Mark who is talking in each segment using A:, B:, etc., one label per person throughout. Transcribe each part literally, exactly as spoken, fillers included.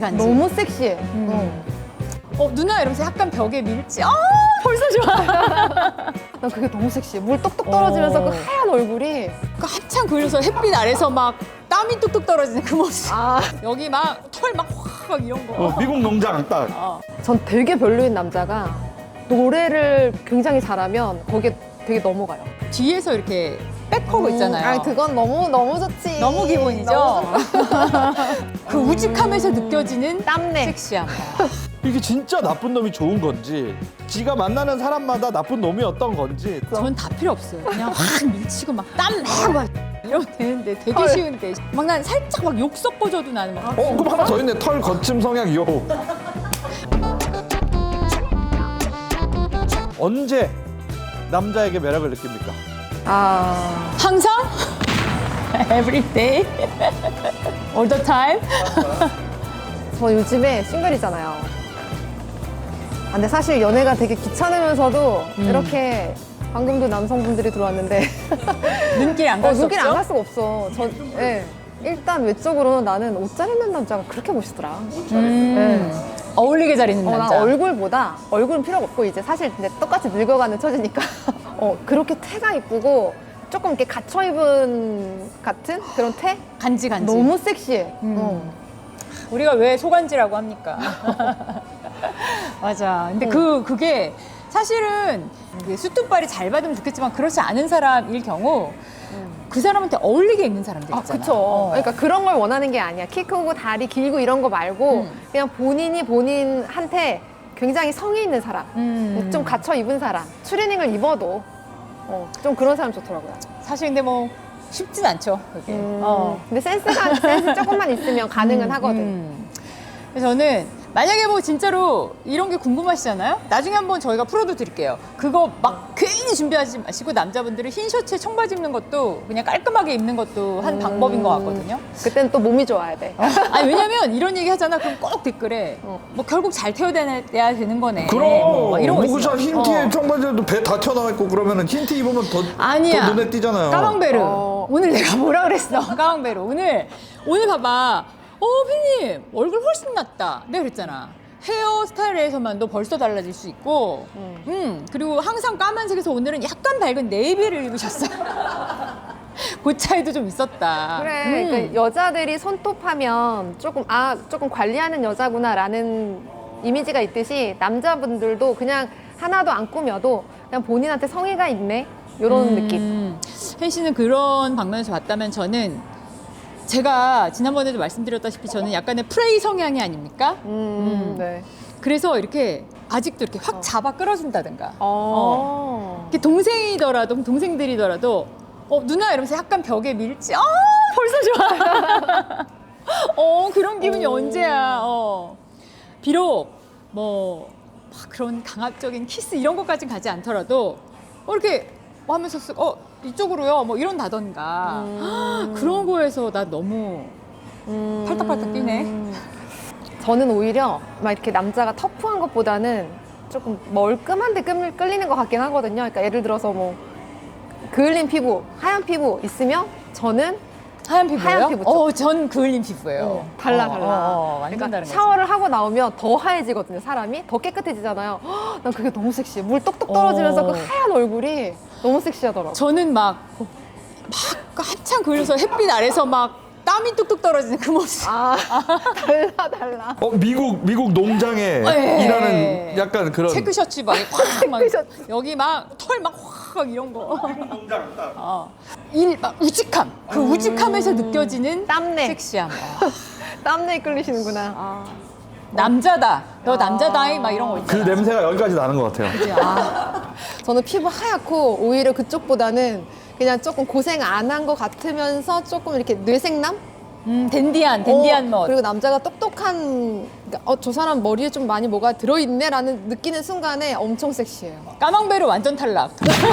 A: 너무 섹시해.
B: 음. 어, 누나 이러면서 약간 벽에 밀지. 아,
A: 벌써 좋아. 나 그게 너무 섹시해. 물 똑똑 떨어지면서
B: 어.
A: 그 하얀 얼굴이.
B: 그 한참 그려서 햇빛 아래서 막 땀이 뚝뚝 떨어지는 그 모습.
A: 아,
B: 여기 막 털 막 확 이런 거.
C: 어, 미국 농장 딱.
B: 어.
A: 전 되게 별로인 남자가 노래를 굉장히 잘하면 거기에 되게 넘어가요.
B: 뒤에서 이렇게 백허그 있잖아요.
A: 아니, 그건 너무 너무 좋지.
B: 너무 기본이죠.
A: 너무
B: 그 우직함에서 느껴지는
A: 땀내.
B: 섹시함.
C: 이게 진짜 나쁜 놈이 좋은 건지, 지가 만나는 사람마다 나쁜 놈이었던 건지.
B: 전 다 필요 없어요. 그냥 확 밀치고 막 땀 내고 막 이러면 되는데 되게 쉬운데 막 난 살짝 막 욕 섞어줘도 나는 막
C: 어, 그럼 하나 더 있네. 털 거침 성향 요. 언제 남자에게 매력을 느낍니까?
A: 아,
B: 항상 every day all the time.
A: 저 요즘에 싱글이잖아요. 아, 근데 사실 연애가 되게 귀찮으면서도
B: 음.
A: 이렇게 방금도 남성분들이 들어왔는데
B: 눈길 안
A: 어,
B: 갈 수
A: 눈길 안 갈
B: 없죠?
A: 수가 없어. 저, 예. 일단 외적으로는 나는 옷 잘 입는 남자가 그렇게 멋있더라.
B: 음. 어울리게 잘 있는
A: 어, 난
B: 남자.
A: 얼굴보다 얼굴은 필요가 없고 이제 사실 이제 똑같이 늙어가는 처지니까 어, 그렇게 태가 이쁘고 조금 이렇게 갇혀 입은 같은 그런 태
B: 간지 간지.
A: 너무 섹시해.
B: 음.
A: 어.
B: 우리가 왜 소간지라고 합니까? 맞아. 근데 그 그게 사실은 이게 수트빨이 잘 받으면 좋겠지만 그렇지 않은 사람일 경우 그 사람한테 어울리게 입는 사람들
A: 아,
B: 있잖아.
A: 그쵸.
B: 어.
A: 그러니까 그런 걸 원하는 게 아니야. 키 크고 다리 길고 이런 거 말고
B: 음.
A: 그냥 본인이 본인한테 굉장히 성의 있는 사람,
B: 음.
A: 좀 갇혀 입은 사람, 추리닝을 입어도 어, 좀 그런 사람 좋더라고요.
B: 사실 근데 뭐 쉽진 않죠. 그게.
A: 음,
B: 어.
A: 근데 센스가 센스 조금만 있으면 가능은
B: 음,
A: 하거든.
B: 음. 그래서 저는 만약에 뭐 진짜로 이런 게 궁금하시잖아요? 나중에 한번 저희가 풀어도 드릴게요. 그거 막 괜히 준비하지 마시고 남자분들은 흰 셔츠에 청바지 입는 것도 그냥 깔끔하게 입는 것도 한
A: 음.
B: 방법인 것 같거든요.
A: 그때는 또 몸이 좋아야 돼.
B: 아니 왜냐면 이런 얘기 하잖아. 그럼 꼭 댓글에
A: 어.
B: 뭐 결국 잘 태워야 되는 거네.
C: 그럼
B: 뭐 이런 거
C: 무그샷
B: 있어요.
C: 흰 티에
B: 어.
C: 청바지에도 배 다 튀어나와 있고 그러면은 흰 티 입으면 더,
B: 아니야.
C: 더 눈에 띄잖아요.
B: 까망베르.
A: 어.
B: 오늘 내가 뭐라 그랬어? 까망베르. 오늘 오늘 봐봐. 어, 피님 얼굴 훨씬 낫다. 내가 그랬잖아. 헤어 스타일에서만도 벌써 달라질 수 있고, 음.
A: 음.
B: 그리고 항상 까만색에서 오늘은 약간 밝은 네이비를 입으셨어. 그 차이도 좀 있었다.
A: 그래.
B: 음.
A: 그러니까 여자들이 손톱하면 조금 아 조금 관리하는 여자구나라는 이미지가 있듯이 남자분들도 그냥 하나도 안 꾸며도 그냥 본인한테 성의가 있네 이런
B: 음.
A: 느낌.
B: hen 씨는 그런 방면에서 봤다면 저는 제가 지난번에도 말씀드렸다시피 저는 약간의 프레이 성향이 아닙니까?
A: 음, 네.
B: 그래서 이렇게 아직도 이렇게 확 잡아 끌어준다든가.
A: 어.
B: 이렇게 동생이더라도 동생들이더라도 어 누나 이러면서 약간 벽에 밀지. 아 벌써 좋아. 어 그런 기분이
A: 오.
B: 언제야. 어 비록 뭐 막 그런 강압적인 키스 이런 것까진 가지 않더라도 어, 이렇게 뭐 하면서 쓱, 어 이쪽으로요 뭐 이런다던가.
A: 음.
B: 그런 거에서 나 너무
A: 음.
B: 팔딱팔딱 뛰네.
A: 저는 오히려 막 이렇게 남자가 터프한 것보다는 조금 멀끔한데 끌- 끌리는 것 같긴 하거든요. 그러니까 예를 들어서 뭐 그을린 피부, 하얀 피부 있으면 저는
B: 하얀 피부예요?
A: 하얀 피부 쪽.
B: 어, 전 그을린 피부예요.
A: 어, 달라
B: 어,
A: 달라.
B: 어, 어, 완전
A: 그러니까
B: 다른 거지.
A: 샤워를 하고 나오면 더 하얘지거든요. 사람이 더 깨끗해지잖아요. 헉, 난 그게 너무 섹시해. 물 똑똑 떨어지면서
B: 어.
A: 그 하얀 얼굴이 너무 섹시하더라고.
B: 저는 막, 막 한참 그려서 햇빛 아래서 막 땀이 뚝뚝 떨어지는 그 모습.
A: 아 달라 달라.
C: 어, 미국 미국 농장에
B: 네.
C: 일하는 약간 그런.
B: 체크 셔츠 막, 확 막
A: 체크셔츠.
B: 여기 막 털 막 확 이런 거.
C: 농장 딱.
B: 어. 일, 막 우직함. 그 우직함에서 느껴지는
A: 땀내.
B: 섹시함. 어.
A: 땀내에 끌리시는구나.
B: 아. 남자다. 너 남자다이 막 이런 거
C: 그
B: 있잖아.
C: 냄새가 여기까지 나는 것 같아요.
B: 그치? 아.
A: 저는 피부 하얗고 오히려 그쪽보다는 그냥 조금 고생 안 한 것 같으면서 조금 이렇게 뇌생남?
B: 음, 댄디한, 댄디한
A: 어,
B: 멋.
A: 그리고 남자가 똑똑한, 그러니까 어, 저 사람 머리에 좀 많이 뭐가 들어있네라는 느끼는 순간에 엄청 섹시해요.
B: 까망베르 완전 탈락.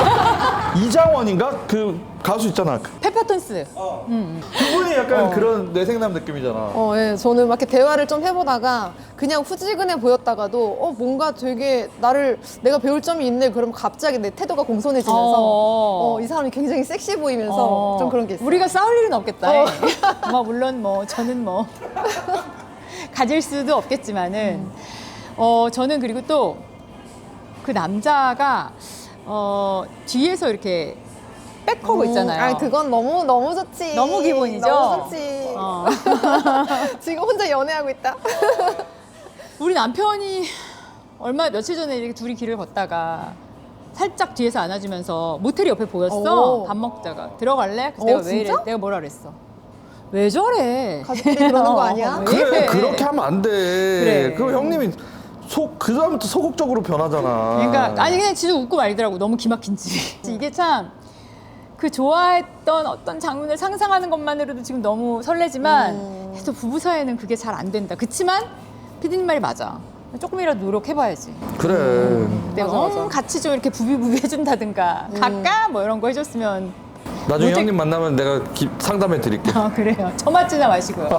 C: 이장원인가? 그 가수 있잖아. 그-
B: 페퍼톤스.
C: 그분이 약간
A: 어.
C: 그런 뇌생남 느낌이잖아.
A: 어, 예. 저는 막 이렇게 대화를 좀 해보다가 그냥 후지근해 보였다가도 어, 뭔가 되게 나를 내가 배울 점이 있네. 그러면 갑자기 내 태도가 공손해지면서
B: 어.
A: 어, 이 사람이 굉장히 섹시해 보이면서
B: 어,
A: 좀 그런 게 있어요.
B: 우리가 싸울 일은 없겠다.
A: 어.
B: 뭐 물론 뭐 저는 뭐 가질 수도 없겠지만은 어 저는 그리고 또 그 남자가 어 뒤에서 이렇게 백허그 있잖아요.
A: 아, 그건 너무 너무 좋지.
B: 너무 기본이죠?
A: 너무 좋지.
B: 어.
A: 지금 혼자 연애하고 있다.
B: 우리 남편이 얼마 며칠 전에 이렇게 둘이 길을 걷다가 살짝 뒤에서 안아주면서 모텔이 옆에 보였어.
A: 오.
B: 밥 먹다가 들어갈래? 그래서
A: 어,
B: 내가 왜 이래?
A: 진짜?
B: 내가 뭐라 그랬어? 왜 저래?
A: 가족들이 그러는 거 아니야?
B: 왜
C: 그래
B: 이래?
C: 그렇게 하면 안 돼.
B: 그래.
C: 그럼 형님이 속 그 다음부터 소극적으로 변하잖아.
B: 그러니까 아니 그냥 진짜 웃고 말더라고. 너무 기막힌지. 이게 참 그 좋아했던 어떤 장면을 상상하는 것만으로도 지금 너무 설레지만
A: 음.
B: 또 부부 사이에는 그게 잘 안 된다. 그치만 피디님 말이 맞아. 조금이라도 노력해봐야지.
C: 그래.
B: 내가
A: 맞아, 맞아.
B: 음, 같이 좀 이렇게 부비부비 해준다든가 갈까? 뭐 이런 거 해줬으면
C: 나중에
B: 모텔-
C: 형님 만나면 내가 기- 상담해 드릴게.
B: 아 그래요. 저 맞지나 마시고요.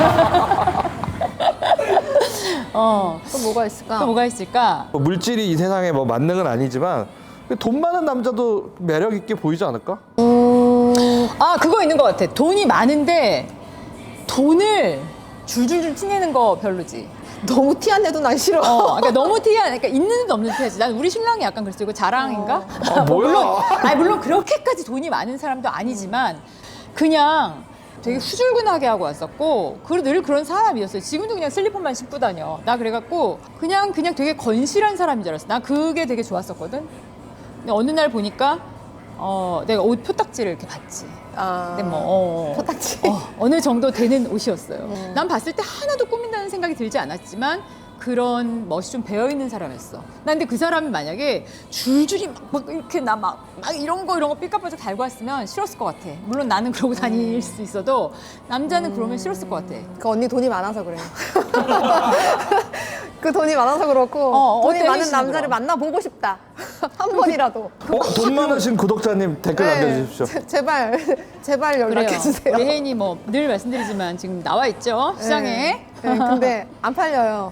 B: 어,
A: 또 뭐가 있을까?
B: 또 뭐가 있을까?
C: 뭐 물질이 이 세상에 뭐 만능은 아니지만 돈 많은 남자도 매력 있게 보이지 않을까?
B: 아 그거 있는 것 같아. 돈이 많은데 돈을 줄줄줄 티내는 거 별로지.
A: 너무 티 안 내도 난 싫어.
B: 어, 그러니까 너무 티야. 그러니까 있는 듯 없는 티야지. 난 우리 신랑이 약간 그랬어. 이거 자랑인가?
C: 아, 뭐야?
B: 물론, 아니 물론 그렇게까지 돈이 많은 사람도 아니지만 그냥 되게 후줄근하게 하고 왔었고 그리고 늘 그런 사람이었어요. 지금도 그냥 슬리퍼만 신고 다녀. 나 그래갖고 그냥 그냥 되게 건실한 사람인 줄 알았어. 나 그게 되게 좋았었거든. 근데 어느 날 보니까 어, 내가 옷 표딱지를 이렇게 봤지.
A: 아,
B: 근데 뭐 어,
A: 포탁지.
B: 어, 어느 정도 되는 옷이었어요.
A: 음.
B: 난 봤을 때 하나도 꾸민다는 생각이 들지 않았지만 그런 멋이 좀 배어 있는 사람이었어. 난 근데 그 사람이 만약에 줄줄이 막, 막 이렇게 나 막 막 이런 거 이런 거 삐까뻔쩍 달고 왔으면 싫었을 것 같아. 물론 나는 그러고 다닐
A: 음.
B: 수 있어도 남자는 그러면 싫었을 것 같아.
A: 그 언니 돈이 많아서 그래요. 그 돈이 많아서 그렇고
B: 어,
A: 돈이
B: 어때,
A: 많은
B: 혜진은
A: 남자를
B: 그럼?
A: 만나보고 싶다. 한 번이라도.
C: 어, 돈 많으신 구독자님 댓글 남겨주십시오.
A: 제, 제발 제발
B: 그래요.
A: 연락해 주세요.
B: 우리 혜인이 뭐 늘 말씀드리지만 지금 나와 있죠 시장에.
A: 네, 근데 안 팔려요.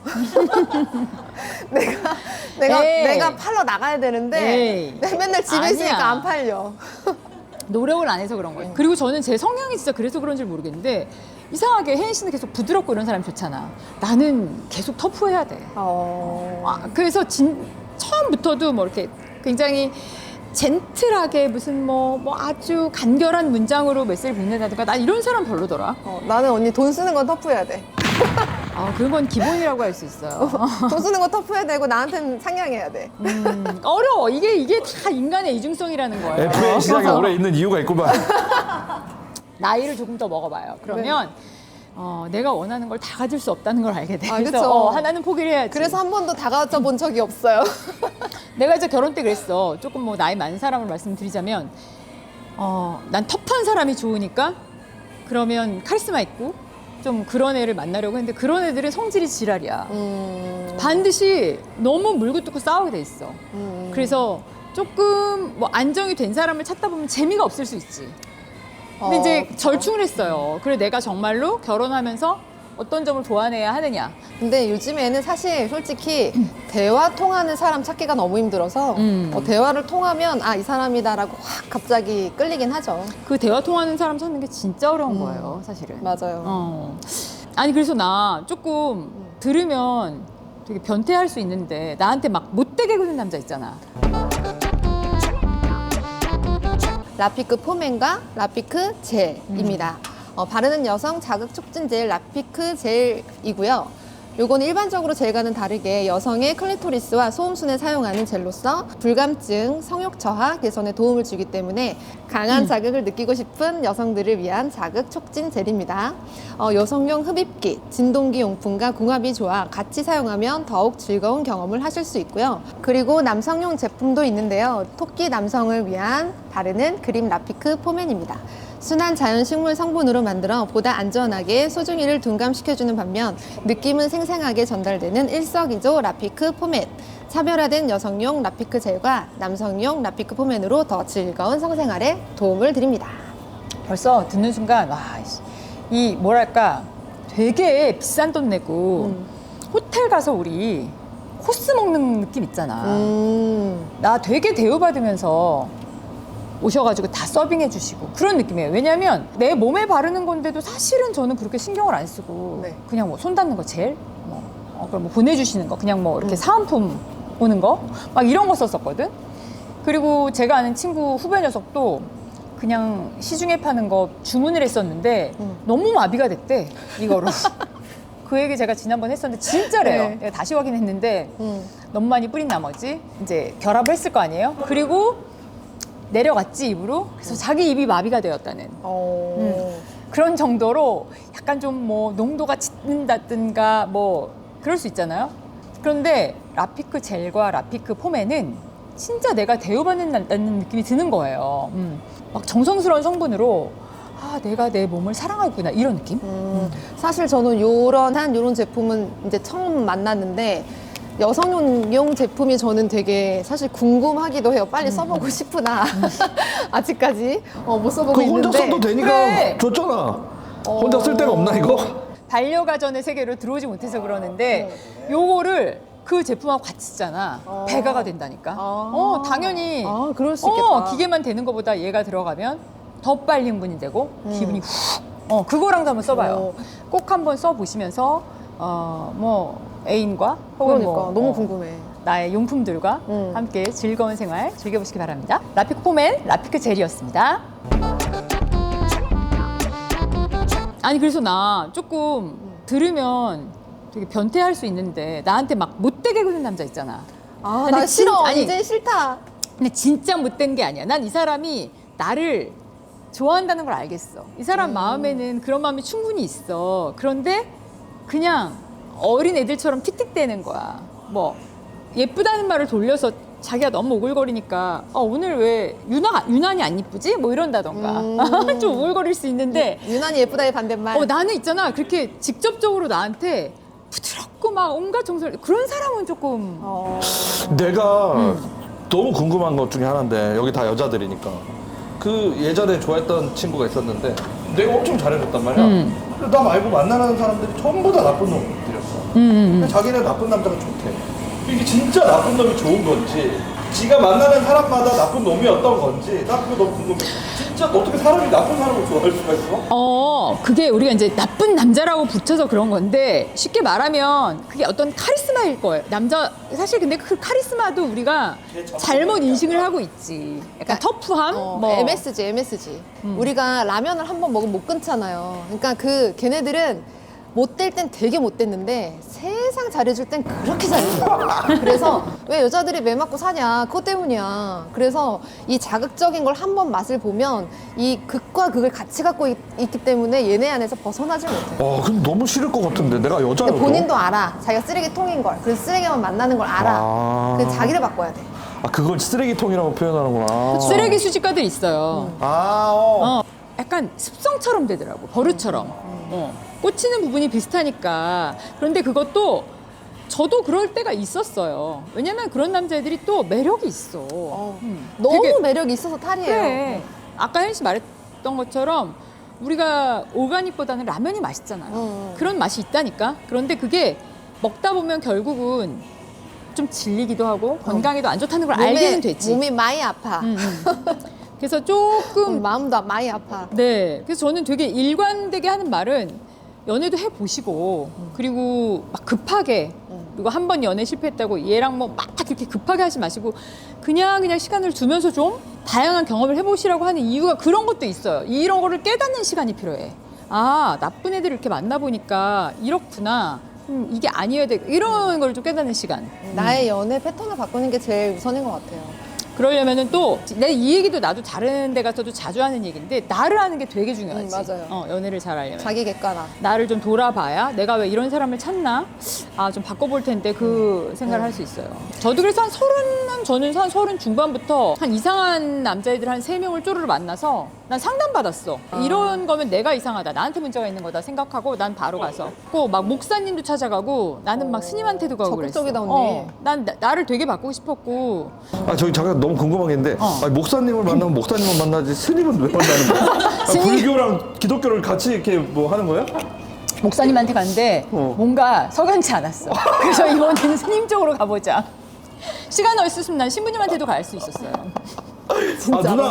A: 내가 내가
B: 에이.
A: 내가 팔러 나가야 되는데
B: 에이.
A: 내가 맨날 집에
B: 아니야.
A: 있으니까 안 팔려.
B: 노력을 안 해서 그런 거예요. 그리고 저는 제 성향이 진짜 그래서 그런지 모르겠는데 이상하게 혜인 씨는 계속 부드럽고 이런 사람이 좋잖아. 나는 계속 터프해야 돼.
A: 어...
B: 아, 그래서 진, 처음부터도 뭐 이렇게 굉장히 젠틀하게 무슨 뭐, 뭐 아주 간결한 문장으로 메시지를 보낸다든가 난 이런 사람 별로더라.
A: 어, 나는 언니 돈 쓰는 건 터프해야 돼.
B: 아, 그런 건 기본이라고 할 수 있어요.
A: 돈 쓰는 건 터프해야 되고 나한테는 상냥해야 돼.
B: 음, 어려워. 이게 이게 다 인간의 이중성이라는 거예요.
C: 에프에이 시장에 오래 있는 이유가 있구만.
B: 나이를 조금 더 먹어봐요. 그러면 어, 내가 원하는 걸 다 가질 수 없다는 걸 알게 돼.
A: 아,
B: 그래서
A: 그쵸.
B: 어, 하나는 포기를 해야지.
A: 그래서 한 번도 다가져 본 적이 없어요.
B: 내가 이제 결혼 때 그랬어. 조금 뭐 나이 많은 사람을 말씀드리자면, 어, 난 터프한 사람이 좋으니까 그러면 카리스마 있고 좀 그런 애를 만나려고 했는데 그런 애들은 성질이 지랄이야.
A: 음,
B: 반드시 너무 물고 뜯고 싸우게 돼 있어.
A: 음.
B: 그래서 조금 뭐 안정이 된 사람을 찾다 보면 재미가 없을 수 있지. 근데
A: 어,
B: 이제
A: 그쵸.
B: 절충을 했어요. 그래 내가 정말로 결혼하면서 어떤 점을 보완해야 하느냐.
A: 근데 요즘에는 사실 솔직히 대화 통하는 사람 찾기가 너무 힘들어서
B: 음.
A: 어, 대화를 통하면 아 이 사람이다라고 확 갑자기 끌리긴 하죠.
B: 그 대화 통하는 사람 찾는 게 진짜 어려운
A: 음.
B: 거예요, 사실은.
A: 맞아요.
B: 어. 아니 그래서 나 조금 들으면 되게 변태할 수 있는데 나한테 막 못되게 구는 남자 있잖아.
A: 라피크 포맨과 라피크 젤입니다. 어, 바르는 여성 자극 촉진 젤 라피크 젤이고요. 요거는 일반적으로 젤과는 다르게 여성의 클리토리스와 소음순에 사용하는 젤로서 불감증, 성욕 저하 개선에 도움을 주기 때문에 강한 자극을 느끼고 싶은 여성들을 위한 자극 촉진 젤입니다. 어, 여성용 흡입기, 진동기 용품과 궁합이 좋아 같이 사용하면 더욱 즐거운 경험을 하실 수 있고요. 그리고 남성용 제품도 있는데요. 토끼 남성을 위한 바르는 그림 라피크 포맨입니다. 순한 자연 식물 성분으로 만들어 보다 안전하게 소중이를 둔감시켜주는 반면 느낌은 생생하게 전달되는 일석이조 라피크 포맨. 차별화된 여성용 라피크 젤과 남성용 라피크 포맨으로 더 즐거운 성생활에 도움을 드립니다.
B: 벌써 듣는 순간 와, 이 뭐랄까 되게 비싼 돈 내고
A: 음.
B: 호텔 가서 우리 코스 먹는 느낌 있잖아.
A: 음,
B: 나 되게 대우받으면서 오셔가지고 다 서빙해 주시고 그런 느낌이에요. 왜냐하면 내 몸에 바르는 건데도 사실은 저는 그렇게 신경을 안 쓰고
A: 네.
B: 그냥 뭐 손 닿는 거 젤, 뭐 어, 그럼 뭐 보내주시는 거 그냥 뭐 이렇게
A: 음.
B: 사은품 오는 거 막 이런 거 썼었거든. 그리고 제가 아는 친구 후배 녀석도 그냥 시중에 파는 거 주문을 했었는데
A: 음.
B: 너무 마비가 됐대 이거로. 그 얘기 제가 지난번 했었는데 진짜래요.
A: 네.
B: 내가 다시 확인했는데
A: 음.
B: 너무 많이 뿌린 나머지 이제 결합을 했을 거 아니에요. 그리고 내려갔지 입으로. 그래서 자기 입이 마비가 되었다는
A: 어.
B: 그런 정도로 약간 좀 뭐 농도가 짙는다든가 뭐 그럴 수 있잖아요. 그런데 라피크 젤과 라피크 폼에는 진짜 내가 대우받는다는 느낌이 드는 거예요. 음. 막 정성스러운 성분으로 아 내가 내 몸을 사랑하고 있구나 이런 느낌?
A: 음, 사실 저는 요런 한 요런 제품은 이제 처음 만났는데 여성용 제품이 저는 되게 사실 궁금하기도 해요. 빨리 써보고 싶으나 아직까지 어, 못 써보고
C: 그
A: 있는데.
C: 혼자 써도 되니까
B: 그래.
C: 줬잖아. 혼자 쓸 데가 없나 이거?
B: 반려가전의 세계로 들어오지 못해서 그러는데 요거를 그 제품하고 같이 쓰잖아.
A: 어.
B: 배가가 된다니까.
A: 아.
B: 어 당연히
A: 아, 그럴 수
B: 어,
A: 있겠다.
B: 기계만 되는 것보다 얘가 들어가면 더 빨리 흥분이 되고
A: 음.
B: 기분이 훅. 어 그거랑도 한번 써봐요.
A: 어.
B: 꼭 한번 써보시면서 어뭐 애인과 혹은
A: 그러니까
B: 뭐,
A: 너무
B: 어,
A: 궁금해.
B: 나의 용품들과
A: 음.
B: 함께 즐거운 생활 즐겨보시기 바랍니다. 라피크 폼앤 라피크 젤이었습니다. 아니 그래서 나 조금 들으면 되게 변태할 수 있는데 나한테 막 못되게 구는 남자 있잖아.
A: 아,
B: 근데
A: 나 싫어.
B: 진- 아니,
A: 이제 싫다.
B: 근데 진짜 못된 게 아니야. 난 이 사람이 나를 좋아한다는 걸 알겠어. 이 사람
A: 음.
B: 마음에는 그런 마음이 충분히 있어. 그런데 그냥 어린 애들처럼 틱틱대는 거야. 뭐 예쁘다는 말을 돌려서 자기가 너무 오글거리니까 어, 오늘 왜 유나, 유난히 안 이쁘지? 뭐 이런다던가.
A: 음.
B: 좀 오글거릴 수 있는데
A: 유난히 예쁘다의 반대말.
B: 어, 나는 있잖아. 그렇게 직접적으로 나한테 부드럽고 막 온갖 정서를 그런 사람은 조금
A: 어.
C: 내가 너무 궁금한 것 중에 하나인데 여기 다 여자들이니까 그 예전에 좋아했던 친구가 있었는데 내가 엄청 잘해줬단 말이야.
B: 음.
C: 근데 나 말고 만나는 사람들이 전부 다 나쁜 놈들이었어.
B: 음, 음,
C: 근데 자기는 나쁜 남자가 좋대. 이게 진짜 나쁜 놈이 좋은 건지 지가 만나는 사람마다 나쁜 놈이었던 건지 나 그거 너무 궁금해. 진짜 어떻게 사람이 나쁜 사람을 좋아할 수가 있어?
B: 어, 그게 우리가 이제 나쁜 남자라고 붙여서 그런 건데 쉽게 말하면 그게 어떤 카리스마일 거예요. 남자 사실 근데 그 카리스마도 우리가 잘못 인식을 하고 있지. 약간 터프함,
A: 어,
B: 뭐
A: 엠에스지, 엠에스지. 우리가 라면을 한 번 먹으면 못 끊잖아요. 그러니까 그 걔네들은 못될 땐 되게 못됐는데 세상 잘해줄 땐 그렇게 잘해줘. 그래서 왜 여자들이 매 맞고 사냐? 그것 때문이야. 그래서 이 자극적인 걸 한 번 맛을 보면 이 극과 극을 같이 갖고 있, 기 때문에 얘네 안에서 벗어나질 못해.
C: 어, 근데 너무 싫을 것 같은데 내가
A: 근데
C: 여자여도.
A: 본인도 알아. 자기가 쓰레기통인 걸. 그래서 쓰레기만 만나는 걸 알아.
C: 아.
A: 그래서 자기를 바꿔야 돼.
C: 아, 그걸 쓰레기통이라고 표현하는구나.
B: 쓰레기 수집가들 있어요.
C: 아, 어.
B: 어, 약간 습성처럼 되더라고. 버릇처럼. 어, 꽂히는 부분이 비슷하니까. 그런데 그것도 저도 그럴 때가 있었어요. 왜냐면 그런 남자애들이 또 매력이 있어.
A: 어.
B: 음,
A: 너무
B: 되게-
A: 매력이 있어서 탈이에요.
B: 그래. 아까 혜연 씨 말했던 것처럼 우리가 오가닉보다는 라면이 맛있잖아요.
A: 음.
B: 그런 맛이 있다니까. 그런데 그게 먹다 보면 결국은 좀 질리기도 하고 건강에도 안 좋다는 걸 알게는 되지.
A: 몸이 많이 아파.
B: 음, 음. 그래서 조금
A: 음, 마음도 많이 아파.
B: 네. 그래서 저는 되게 일관되게 하는 말은 연애도 해보시고 그리고 막 급하게 그리고 한 번 연애 실패했다고 얘랑 뭐 막 그렇게 급하게 하지 마시고 그냥 그냥 시간을 두면서 좀 다양한 경험을 해보시라고 하는 이유가 그런 것도 있어요. 이런 거를 깨닫는 시간이 필요해. 아, 나쁜 애들 이렇게 만나보니까 이렇구나. 음, 이게 아니어야 돼. 이런 걸 좀 깨닫는 시간.
A: 나의 연애 패턴을 바꾸는 게 제일 우선인 것 같아요.
B: 그러려면은 또 내 이 얘기도 나도 다른 데 가서도 자주 하는 얘기인데 나를 아는 게 되게 중요하지.
A: 음, 맞아요.
B: 어, 연애를 잘 하려면.
A: 자기 객관화.
B: 나를 좀 돌아봐야 내가 왜 이런 사람을 찾나? 아, 좀 바꿔볼 텐데 그 생각을 할 수 있어요. 저도 그래서 한 서른, 한 저는 한 서른 중반부터 한 이상한 남자애들 한 세 명을 쪼르르 만나서 난 상담받았어. 이런 거면 내가 이상하다. 나한테 문제가 있는 거다 생각하고 난 바로 가서. 꼭 막 목사님도 찾아가고 나는 막 스님한테도 가고 그랬어.
A: 적극적이다, 언니.
B: 어, 난 나, 나를 되게 바꾸고 싶었고.
C: 아, 저기 잠깐 너무 궁금한 게 있는데
B: 어.
C: 아니, 목사님을 만나면 목사님을 만나지 스님은 왜 만나는 거야? 아,
B: 스님.
C: 불교랑 기독교를 같이 이렇게 뭐 하는 거야?
B: 목사님한테 갔는데
C: 어.
B: 뭔가 석연치 않았어. 그래서 이번에는 스님 쪽으로 가보자. 시간 없었으면 난 신부님한테도 갈 수 있었어요.
C: 아, 누나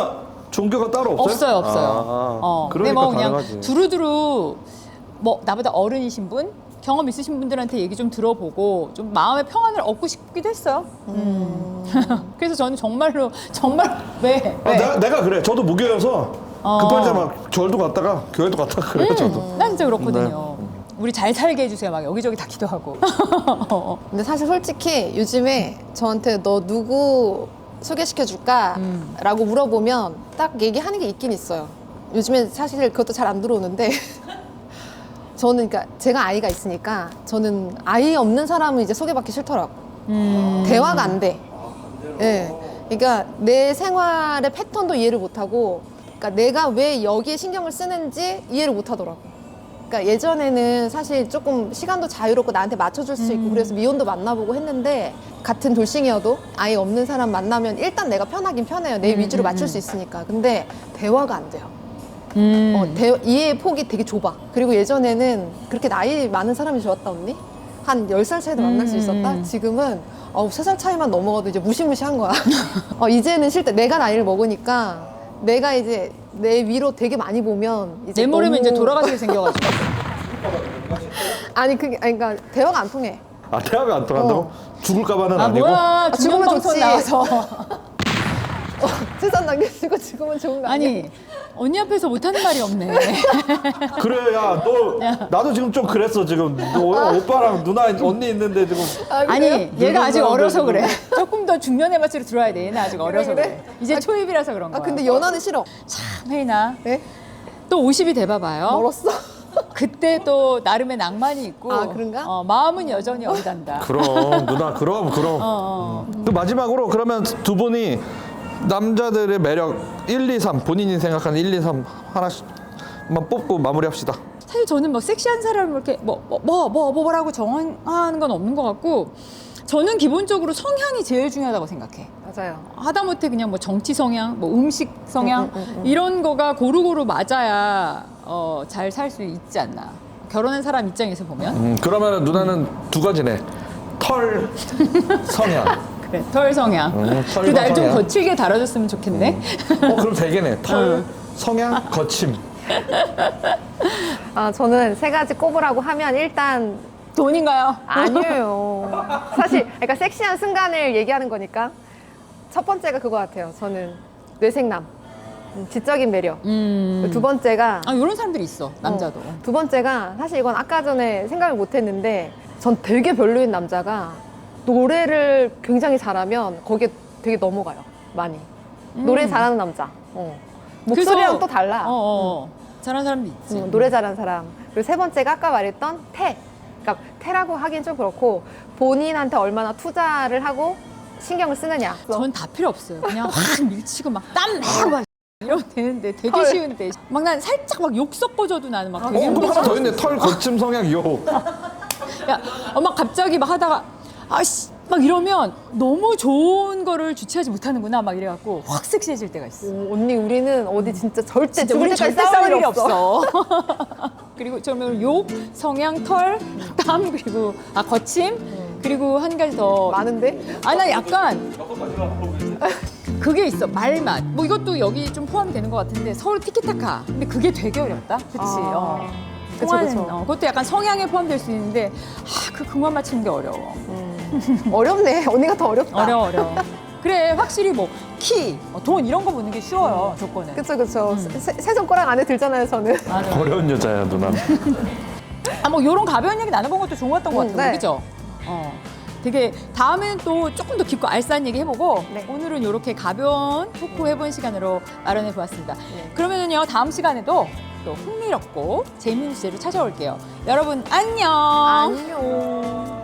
C: 종교가 따로 없어요?
B: 없어요, 없어요.
C: 아,
B: 어, 근데
C: 그러니까
B: 뭐 그냥
C: 가능하지.
B: 두루두루 뭐 나보다 어른이신 분, 경험 있으신 분들한테 얘기 좀 들어보고 좀 마음의 평안을 얻고 싶기도 했어요. 음. 그래서 저는 정말로 정말 왜?
C: 아,
B: 왜?
C: 내가, 내가 그래. 저도 무교여서
B: 어.
C: 급할 때 막 절도 갔다가 교회도 갔다가 그래요, 저도.
B: 난 진짜 그렇거든요. 우리 잘 살게 해주세요. 막 여기저기 다 기도하고. 어.
A: 근데 사실 솔직히 요즘에 저한테 너 누구 소개시켜줄까?
B: 음.
A: 라고 물어보면 딱 얘기하는 게 있긴 있어요. 요즘에 사실 그것도 잘 안 들어오는데 저는 그러니까 제가 아이가 있으니까 저는 아이 없는 사람은 이제 소개받기 싫더라고.
B: 음.
A: 대화가 안 돼. 예. 그러니까 내 생활의 패턴도 이해를 못하고, 그러니까 내가 왜 여기에 신경을 쓰는지 이해를 못하더라고. 그러니까 예전에는 사실 조금 시간도 자유롭고 나한테 맞춰줄 수 있고 그래서 미혼도 만나보고 했는데 같은 돌싱이어도 아예 없는 사람 만나면 일단 내가 편하긴 편해요. 내 위주로 맞출 수 있으니까. 근데 대화가 안 돼요.
B: 음.
A: 어, 대, 이해의 폭이 되게 좁아. 그리고 예전에는 그렇게 나이 많은 사람이 좋았다 언니? 한 열 살 차이도 만날 수
B: 음.
A: 있었다? 지금은 어우, 세 살 차이만 넘어가도 이제 무시무시한 거야. 어, 이제는 싫다. 내가 나이를 먹으니까 내가 이제 내 위로 되게 많이 보면 이제
B: 내 모르면
A: 너무-
B: 이제 돌아가시게 생겨가지고.
A: 아니 그게 아니 그러니까 대화가 안 통해.
C: 아, 대화가 안 통한다고?
A: 어.
C: 죽을까봐는
B: 아
C: 아니고?
B: 뭐야
A: 죽으면
B: 중간방송
A: 좋지.
B: 나와서.
A: 세상 남겨주고 죽으면 좋은 거 아니야?
B: 아니 언니 앞에서 못하는 말이 없네.
C: 그래, 야, 너, 나도 지금 좀 그랬어, 지금. 너 오빠랑 누나, 언니 있는데 지금.
A: 아, 그래요?
B: 아니 얘가 아직
C: 늙은
B: 어려서
C: 사람들
B: 그래. 조금 더 중년의 맛으로 들어야 돼. 얘는 아직 어려서 그래.
A: 그래?
B: 이제 초입이라서 그런 거야.
A: 아 근데 연하는 싫어.
B: 참 혜인아
A: 네?
B: 또 오십이 돼봐봐요.
A: 멀었어.
B: 그때 또 나름의 낭만이 있고
A: 아, 그런가?
B: 어, 마음은 여전히 어리단다.
C: 그럼, 누나, 그럼, 그럼.
B: 어, 어.
C: 또 마지막으로 그러면 두 분이 남자들의 매력 일, 이, 삼, 본인이 생각하는 일, 이, 삼 하나씩만 뽑고 마무리합시다.
B: 사실 저는 뭐 섹시한 사람을 이렇게 뭐 뭐 뭐 뭐 뭐라고 정하는 건 없는 것 같고 저는 기본적으로 성향이 제일 중요하다고 생각해.
A: 맞아요.
B: 하다못해 그냥 뭐 정치 성향, 뭐 음식 성향
A: 음, 음, 음, 음.
B: 이런 거가 고루고루 맞아야 어, 잘 살 수 있지 않나. 결혼한 사람 입장에서 보면
C: 음, 그러면 누나는 두 가지네. 털, 성향.
B: 그래 털 성향.
C: 음, 털과
B: 그 날 좀
C: 성향.
B: 거칠게 다뤄줬으면 좋겠네.
C: 어, 그럼 되겠네. 털, 성향, 거침.
A: 아 저는 세 가지 꼽으라고 하면 일단
B: 돈인가요?
A: 아니에요. 사실 그러니까 섹시한 순간을 얘기하는 거니까 첫 번째가 그거 같아요. 저는 뇌생남, 음, 지적인 매력.
B: 음.
A: 두 번째가
B: 아 이런 사람들이 있어 남자도.
A: 어, 두 번째가 사실 이건 아까 전에 생각을 못했는데 전 되게 별로인 남자가 노래를 굉장히 잘하면 거기에 되게 넘어가요. 많이. 노래 잘하는 남자. 어. 목소리랑
B: 그래서-
A: 또 달라.
B: 어, 어. 잘하는 사람도 있지.
A: 음, 노래 잘하는 사람. 그리고 세 번째가 아까 말했던 태. 그러니까 태라고 하긴 좀 그렇고 본인한테 얼마나 투자를 하고 신경을 쓰느냐.
B: 전 다 필요 없어요. 그냥 확 밀치고 막 땀 내고 막 이러면 되는데 되게
A: 헐.
B: 쉬운데 막 난 살짝 막 욕 섞어줘도 나는 막
C: 어,
B: 되게
C: 그럼 하나 더 있네.
B: 힘들어.
C: 털, 거침, 성향, 요.
B: 야, 엄마 갑자기 막 하다가 아씨 막 이러면 너무 좋은 거를 주체하지 못하는구나 막 이래갖고 확 섹시해질 때가 있어.
A: 오, 언니 우리는 어디 진짜 절대
B: 진짜
A: 죽을
B: 우리
A: 때까지
B: 절대
A: 싸울 일이 없어.
B: 그리고 저는 욕, 성향, 털, 땀 그리고 아 거침 그리고 한 가지 더.
A: 많은데?
B: 아 나 약간 그게 있어 말맛. 뭐 이것도 여기 좀 포함이 되는 것 같은데 서로 티키타카. 근데 그게 되게 어렵다. 그치?
A: 아,
B: 어.
A: 그쵸,
B: 통하는,
A: 그쵸.
B: 어, 그것도 약간 성향에 포함될 수 있는데 아, 그 근관 맞추는 게 어려워.
A: 어렵네. 언니가 더 어렵다.
B: 어려워 어려워. 그래 확실히 뭐 키, 어, 돈 이런 거 보는 게 쉬워요 조건은.
A: 그쵸, 그쵸. 세, 세 손가락 안에 들잖아요, 저는.
B: 맞아.
C: 어려운 여자야, 누나.
B: 아뭐 이런 가벼운 얘기 나눠본 것도 좋았던 것
A: 음,
B: 같아요.
A: 네.
B: 그죠? 어. 되게 다음에는 또 조금 더 깊고 알싸한 얘기 해보고
A: 네.
B: 오늘은 이렇게 가벼운 토크 해본 시간으로 마련해 보았습니다.
A: 네.
B: 그러면은요 다음 시간에도 또 흥미롭고 재미있는 주제로 찾아올게요. 여러분 안녕.
A: 안녕.